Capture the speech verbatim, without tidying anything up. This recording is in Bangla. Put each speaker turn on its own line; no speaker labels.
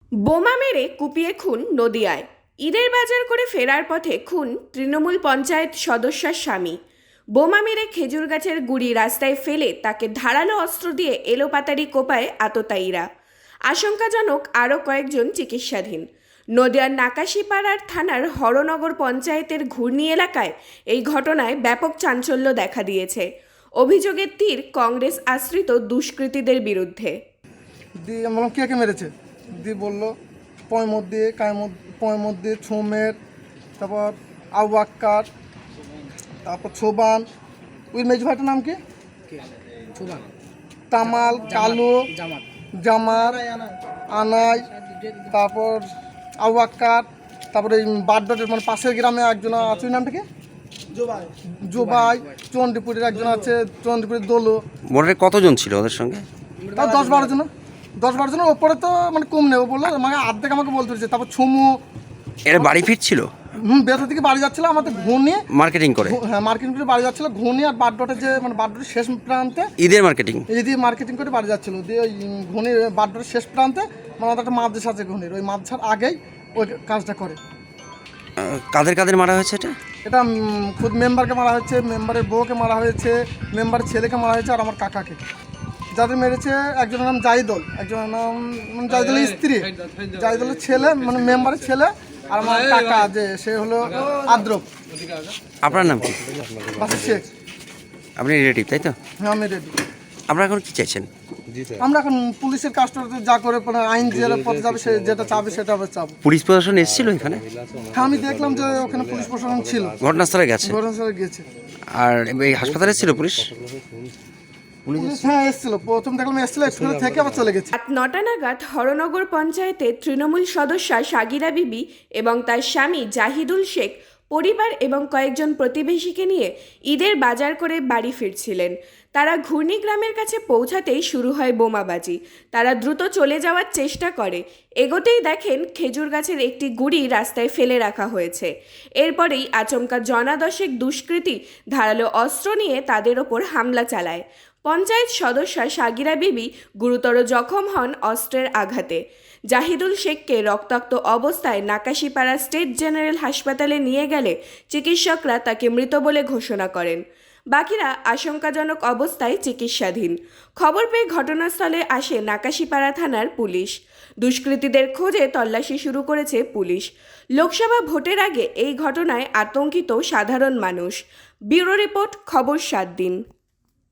বোমা মেরে কুপিয়ে খুন নদিয়ায়। ঈদের বাজার করে ফেরার পথে খুন তৃণমূল পঞ্চায়েত সদস্যার স্বামী। বোমা মেরে খেজুর গাছের গুড়ি রাস্তায় ফেলে তাকে ধারালো অস্ত্র দিয়ে এলোপাতাড়ি কোপায় আততায়ীরা। আশঙ্কাজনক আরও কয়েকজন চিকিৎসাধীন। নদিয়ার নাকাশিপাড়ার থানার হরনগর পঞ্চায়েতের ঘূর্ণি এলাকায় এই ঘটনায় ব্যাপক চাঞ্চল্য দেখা দিয়েছে। অভিযোগের তীর কংগ্রেস আশ্রিত দুষ্কৃতীদের বিরুদ্ধে।
দিয়ে আমরা কে কে মেরেছে দিয়ে বললো পয়ের মধ্যে কায়ের মধ্যে পয়ের মধ্যে ছোমের, তারপর আবু আক্কার, তারপর ছোবান। ওই মেজ ভাইটার নাম কি? তামাল, কালু, জামার, আনাই, তারপর আবু আক্কার, তারপরে এই বাড্ডাটের মানে পাশের গ্রামে একজন আছে, ওই নামটা কি? জোবাই। জোবাই। চন্ডীপুরের একজন আছে, চন্ডীপুরের দোলো।
মোটে কতজন ছিল ওদের সঙ্গে?
তাও দশ বারো জন দশ বারো জনের ওপরে তো মানে কম নেই। ও বললো মানে আর্ধেক আমাকে বলতে হচ্ছে। তারপর ছুমু
এরা বাড়ি ফিরছিল,
হুম বেথা থেকে বাড়ি যাচ্ছিল আমাদের ঘুনি
মার্কেটিং করে।
হ্যাঁ মার্কেটিং করে বাড়ি যাচ্ছিল ঘুনি আর বাড্ডটের যে মানে বাড্ডটের শেষ প্রান্তে
ঈদের মার্কেটিং
এই দিয়ে মার্কেটিং করে বাড়ি যাচ্ছিল। দিয়ে ওই ঘুনির বাড্ডটের শেষ প্রান্তে মানে আমাদের একটা মাদ্রাস আছে ঘুনির, ওই মাদ্রাসার আগেই ওই কাজটা করে।
আহ, কাদের কাদের মারা হয়েছে এটা?
এটা উম, খুদ মেম্বারকে মারা হয়েছে, মেম্বারের বউকে মারা হয়েছে, মেম্বারের ছেলেকে মারা হয়েছে আর আমার কাকাকে। যাদের মেরেছে একজনের নাম জাহিদুল, একজনের নাম মানে জাহিদুলের স্ত্রী, জাহিদুলের ছেলে মানে মেম্বারের ছেলে, আর আমার কাকা যে সে হলো আদ্রব।
আপনার নাম কি?
বাসের শেখ।
আপনি রিলেটিভ তাই তো?
হ্যাঁ আমি রেডি।
আপনারা এখন কি চাইছেন?
আমরা এখন পুলিশের কাজটা যা করে মানে আইন যে পথে যাবে সে যেটা চাবে সেটা আমরা চাবো।
পুলিশ প্রশাসন এসেছিল এখানে?
হ্যাঁ আমি দেখলাম যে ওখানে পুলিশ প্রশাসন ছিল,
ঘটনাস্থলে গেছে।
ঘটনাস্থলে গিয়েছে।
আর এই হাসপাতালে ছিল পুলিশ?
পুলিশ হ্যাঁ এসেছিল, প্রথম দেখলাম এসেছিল, স্কুলে থেকে আবার চলে গেছে।
রাত নটা নাগাদ হরনগর পঞ্চায়েতের তৃণমূল সদস্যা সাগিরা বিবি এবং তার স্বামী জাহিদুল শেখ পরিবার এবং কয়েকজন প্রতিবেশীকে নিয়ে ঈদের বাজার করে বাড়ি ফিরছিলেন। তারা ঘূর্ণি গ্রামের কাছে পৌঁছাতেই শুরু হয় বোমাবাজি। তারা দ্রুত চলে যাওয়ার চেষ্টা করে, এগোতেই দেখেন খেজুর গাছের একটি গুড়ি রাস্তায় ফেলে রাখা হয়েছে। এরপরেই আচমকা জনাদশেক দুষ্কৃতী ধারালো অস্ত্র নিয়ে তাদের ওপর হামলা চালায়। পঞ্চায়েত সদস্যা সাগিরা বিবি গুরুতর জখম হন অস্ত্রের আঘাতে। জাহিদুল শেখকে রক্তাক্ত অবস্থায় নাকাশিপাড়া স্টেট জেনারেল হাসপাতালে নিয়ে গেলে চিকিৎসকরা তাকে মৃত বলে ঘোষণা করেন। বাকিরা আশঙ্কাজনক অবস্থায় চিকিৎসাধীন। খবর পেয়ে ঘটনাস্থলে আসে নাকাশিপাড়া থানার পুলিশ। দুষ্কৃতীদের খোঁজে তল্লাশি শুরু করেছে পুলিশ। লোকসভা ভোটের আগে এই ঘটনায় আতঙ্কিত সাধারণ মানুষ। ব্যুরো রিপোর্ট, খবর সাত দিন।